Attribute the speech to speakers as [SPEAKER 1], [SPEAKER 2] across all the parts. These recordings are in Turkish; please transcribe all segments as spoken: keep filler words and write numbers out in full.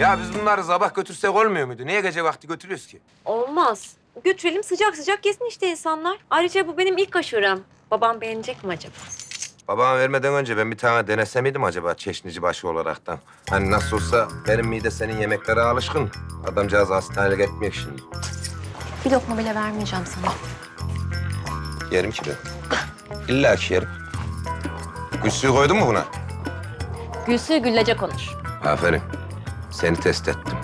[SPEAKER 1] Ya biz bunları sabah götürsek olmuyor muydu? Niye gece vakti götürüyoruz ki?
[SPEAKER 2] Olmaz. Götürelim sıcak sıcak yesin işte insanlar. Ayrıca bu benim ilk aşurem. Babam beğenecek mi acaba?
[SPEAKER 1] Babama vermeden önce ben bir tane denese miydim acaba çeşnici başı olaraktan? Hani nasıl olsa benim mide senin yemeklere alışkın. Adamcağız hastanelik etmiyor şimdi.
[SPEAKER 2] Bir lokma bile vermeyeceğim sana.
[SPEAKER 1] Yerim ki ben. İlla ki yerim. Gül suyu koydun mu buna?
[SPEAKER 2] Gülsü güllece konuş.
[SPEAKER 1] Aferin. Seni test ettim.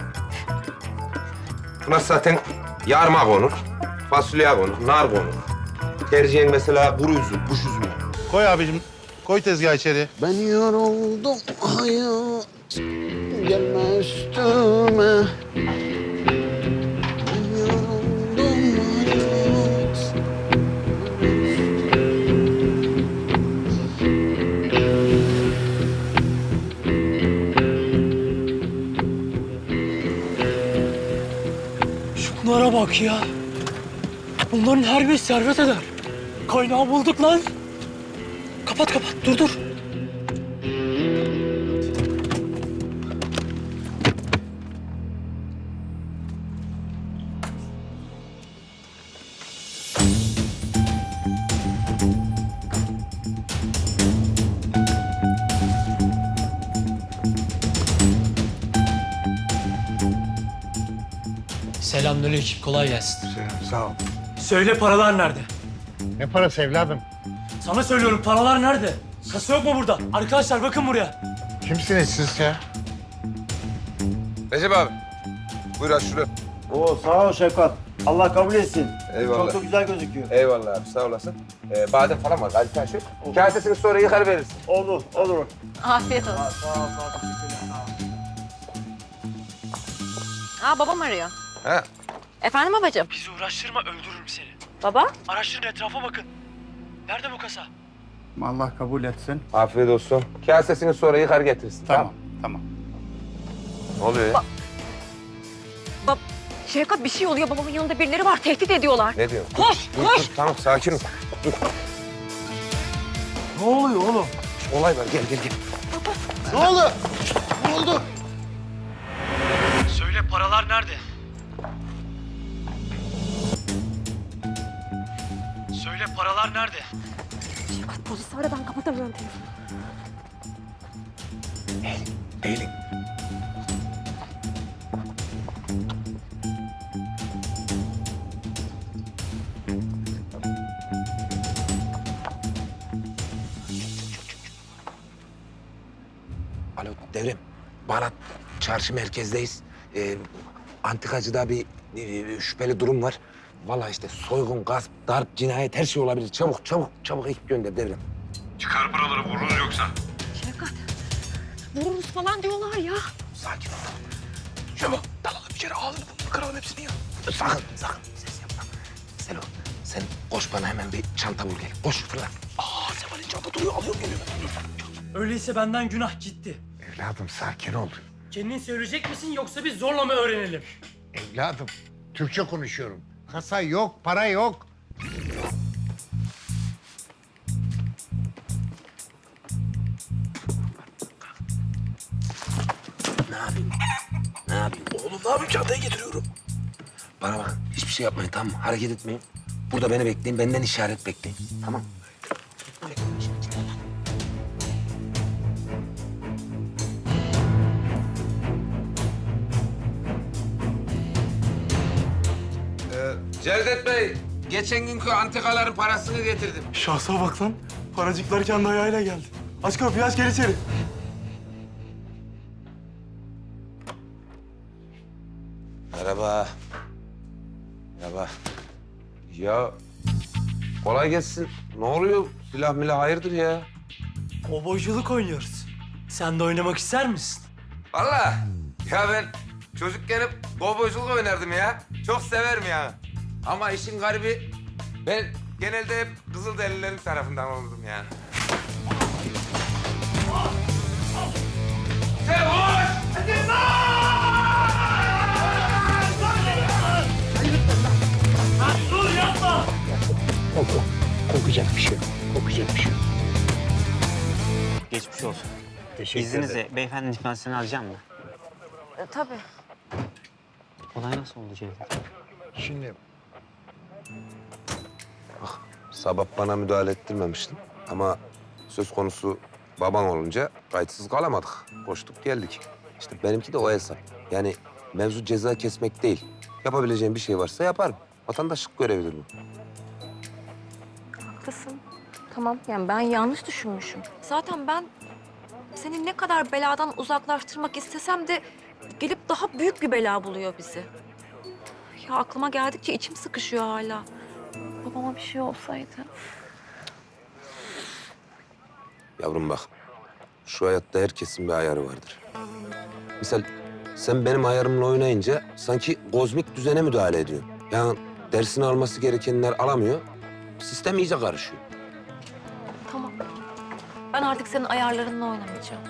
[SPEAKER 1] Buna zaten yarma konur, fasulye konur, nar konur. Tercihen mesela kuru üzüm, kuş üzümü.
[SPEAKER 3] Koy abicim. Koy tezgahı içeri.
[SPEAKER 4] Ben yoruldum hayat, gelme üstüme. Ben yoruldum hayat.
[SPEAKER 5] Şunlara bak ya. Bunların her biri servet eder. Kaynağı bulduk lan. Kapat kapat, dur dur. Selamünaleyküm, kolay gelsin.
[SPEAKER 3] Sağ ol.
[SPEAKER 5] Söyle paralar nerede?
[SPEAKER 3] Ne parası evladım?
[SPEAKER 5] Sana söylüyorum, paralar nerede? Kasa yok mu burada? Arkadaşlar bakın buraya.
[SPEAKER 3] Kimsiniz siz ya?
[SPEAKER 1] Recep abi, buyur aç şunu.
[SPEAKER 6] Oo sağ ol Şefkat. Allah kabul etsin.
[SPEAKER 1] Eyvallah.
[SPEAKER 6] Çok da güzel gözüküyor.
[SPEAKER 1] Eyvallah abi, sağ olasın. Ee, badem falan var, Ali Taşı. Kasesini sonra yıkar verirsin.
[SPEAKER 6] Olur, olur.
[SPEAKER 2] Afiyet olsun.
[SPEAKER 6] Ha, sağ ol, sağ ol. Teşekkürler. Sağ ol.
[SPEAKER 2] Aa babam arıyor.
[SPEAKER 1] Ha,
[SPEAKER 2] Efendim babacığım?
[SPEAKER 5] Bizi uğraştırma, öldürürüm seni.
[SPEAKER 2] Baba?
[SPEAKER 5] Araştırın, etrafa bakın. Nerede bu kasa?
[SPEAKER 6] Allah kabul etsin.
[SPEAKER 1] afiyet olsun. Kasesini sonra yıkar getirsin.
[SPEAKER 6] Tamam, tamam.
[SPEAKER 1] Ne oluyor ya?
[SPEAKER 2] Bab Şevkat bir şey oluyor. Babamın yanında birileri var. Tehdit ediyorlar.
[SPEAKER 1] Ne diyorsun?
[SPEAKER 2] Koş,
[SPEAKER 1] Dur,
[SPEAKER 2] koş.
[SPEAKER 1] dur, tamam, sakin ol. Dur.
[SPEAKER 6] Ne oluyor oğlum?
[SPEAKER 1] Olay var, gel gel gel.
[SPEAKER 3] Ne oldu? Ne oldu?
[SPEAKER 5] Söyle, paralar nerede? Söyle, paralar nerede?
[SPEAKER 2] Şevkat polisi ara, ben kapatamıyorum telefonu.
[SPEAKER 1] Eğilin. Alo Devrem, Balat çarşı merkezdeyiz. Ee, antikacıda bir e, şüpheli durum var. Vallahi işte soygun, gasp, darp, cinayet her şey olabilir. Çabuk, çabuk, çabuk ekip gönder Devrem.
[SPEAKER 7] Çıkar paraları vururuz yoksa.
[SPEAKER 2] Şevkat vururuz falan diyorlar ya.
[SPEAKER 1] Sakin ol. Çabuk, dalalım içeri, ağzını burnunu kıralım hepsini ya. Sakın, sakın ses yapma. Selo, sen koş bana hemen bir çanta bul gel. Koş fırla. Aa, Seval'in çanta duruyor, alıyorum geliyorum.
[SPEAKER 5] Öyleyse benden günah gitti.
[SPEAKER 3] Evladım sakin ol.
[SPEAKER 5] Kendin söyleyecek misin yoksa biz zorla mı öğrenelim?
[SPEAKER 3] Evladım Türkçe konuşuyorum. Kasa yok, para yok.
[SPEAKER 1] Ne yapayım? Ne yapayım? Oğlum ne yapayım? Çantayı getiriyorum. Bana bakın, hiçbir şey yapmayın tamam mı? Hareket etmeyin. Burada beni bekleyin, benden işaret bekleyin. Tamam. Ee, Cevdet Bey, geçen günkü antikaların parasını getirdim.
[SPEAKER 8] Şahsa bak lan. Paracıklar kendi ayağıyla geldi. Aç kapıyı, aç, gel içeri.
[SPEAKER 1] Merhaba. Merhaba. Ya kolay gelsin. Ne oluyor? Silah milah hayırdır ya?
[SPEAKER 5] Kovboyculuk oynuyoruz. Sen de oynamak ister misin?
[SPEAKER 1] Vallahi ya ben çocukken hep kovboyculuk oynardım ya. Çok severim ya. Ama işin garibi ben genelde hep Kızılderililerin tarafından oldum ya. Sen hoş!
[SPEAKER 5] Dur yapma!
[SPEAKER 3] Kokacak bir şey yok. Kokacak bir şey yok.
[SPEAKER 9] Geçmiş olsun.
[SPEAKER 3] Teşekkür
[SPEAKER 9] İzninizle beyefendinin ifadesini alacağım mı?
[SPEAKER 2] E, tabii.
[SPEAKER 5] Olay nasıl oldu Cevdet?
[SPEAKER 3] Şimdi
[SPEAKER 1] Sabah bana müdahale ettirmemiştin ama söz konusu baban olunca kayıtsız kalamadık. Koştuk geldik. İşte benimki de o hesap. Yani mevzu ceza kesmek değil. Yapabileceğim bir şey varsa yaparım. Vatandaşlık görevidir bu.
[SPEAKER 2] Haklısın. Tamam yani ben yanlış düşünmüşüm. Zaten ben seni ne kadar beladan uzaklaştırmak istesem de gelip daha büyük bir bela buluyor bizi. Ya aklıma geldikçe içim sıkışıyor hala. Babama bir şey olsaydı.
[SPEAKER 1] Yavrum bak, şu hayatta herkesin bir ayarı vardır. Misal sen benim ayarımla oynayınca sanki kozmik düzene müdahale ediyorsun. Yani dersini alması gerekenler alamıyor, sistem iyice karışıyor.
[SPEAKER 2] Tamam. Ben artık senin ayarlarınla oynamayacağım.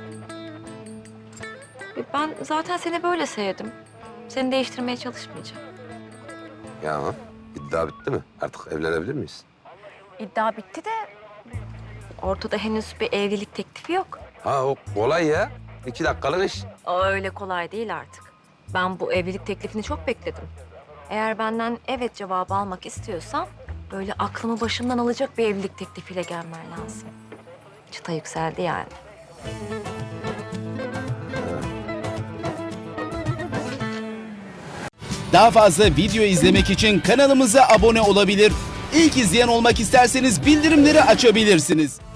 [SPEAKER 2] E, Ben zaten seni böyle sevdim. Seni değiştirmeye çalışmayacağım.
[SPEAKER 1] Ya iddia bitti mi? Artık evlenebilir miyiz?
[SPEAKER 2] İddia bitti de ortada henüz bir evlilik teklifi yok.
[SPEAKER 1] Ha o kolay ya. İki dakikalık iş.
[SPEAKER 2] O öyle kolay değil artık. Ben bu evlilik teklifini çok bekledim. Eğer benden evet cevabı almak istiyorsan böyle aklımı başımdan alacak bir evlilik teklifiyle gelmen lazım. Çıta yükseldi yani.
[SPEAKER 9] Daha fazla video izlemek için kanalımıza abone olabilir. İlk izleyen olmak isterseniz bildirimleri açabilirsiniz.